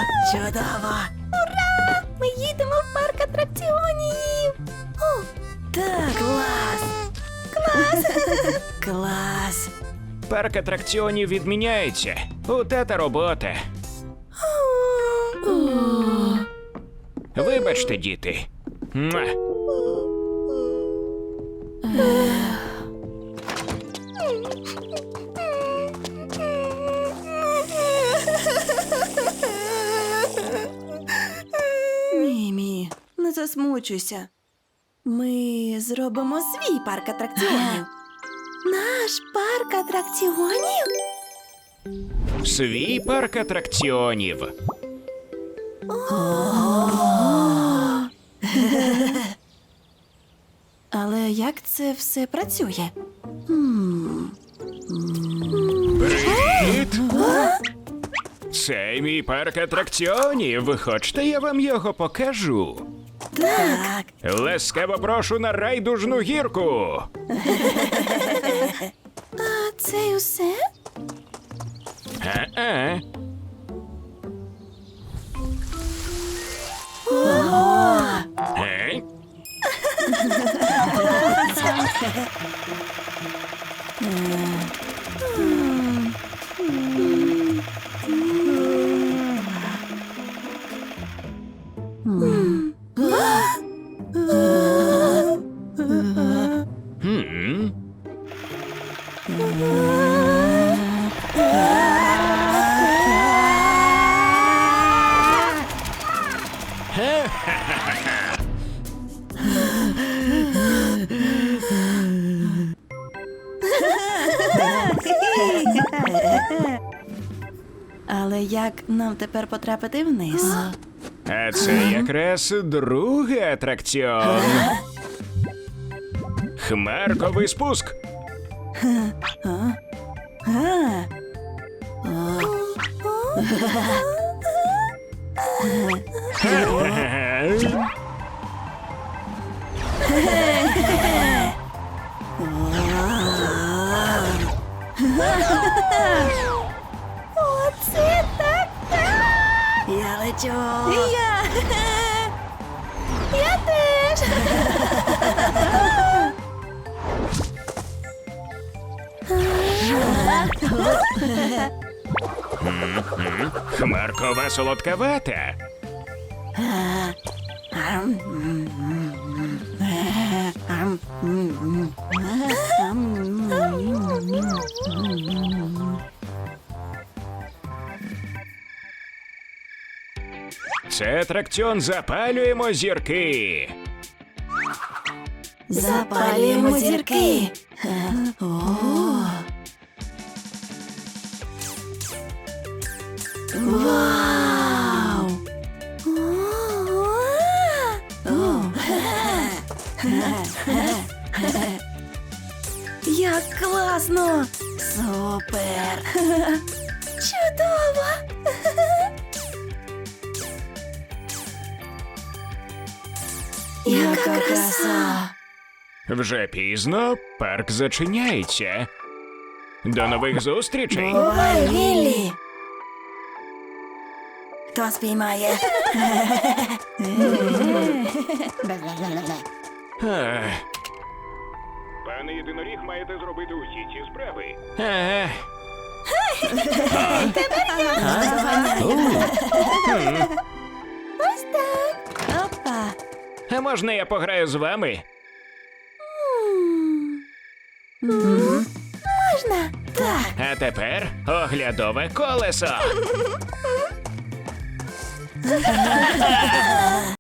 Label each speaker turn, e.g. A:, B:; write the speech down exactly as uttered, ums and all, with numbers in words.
A: Чудово!
B: Ура! Ми їдемо в парк атракціонів! О,
A: Так, клас!
B: клас!
A: Клас!
C: Парк атракціонів відміняється. У тата робота. Вибачте, діти. Муа.
A: Мімі, не засмучуйся. Ми зробимо свій парк атракціонів.
B: Наш парк атракціонів?
C: Свій парк атракціонів.
A: Але як це все працює?
C: Привіт! Це мій парк атракціонів. Хочете, я вам його покажу?
A: Так.
C: Ласкаво прошу на райдужну гірку.
B: А це й усе?
C: А-а. Е? Хм.
A: Але як нам тепер потрапити вниз?
C: А це якраз другий атракціон. Хмарковий спуск.
A: А?
B: Оце так так!
A: Я лечу!
B: Я! Я теж!
C: Хмаркова солодкавата. Це атракціон «Запалюємо зірки».
A: Запалюємо зірки! О! Вау! О! Як класно! Супер!
B: Чудово!
A: Яка краса!
C: Вже пізно, парк зачиняється. До нових зустрічей.
A: Бувай, Віллі! Хто спіймає?
C: Ах. Пане єдиноріг, маєте зробити усі ці справи. Ага.
B: Ось так!
A: Опа!
C: А можна я пограю з вами?
B: Можна!
A: Так!
C: А тепер оглядове колесо.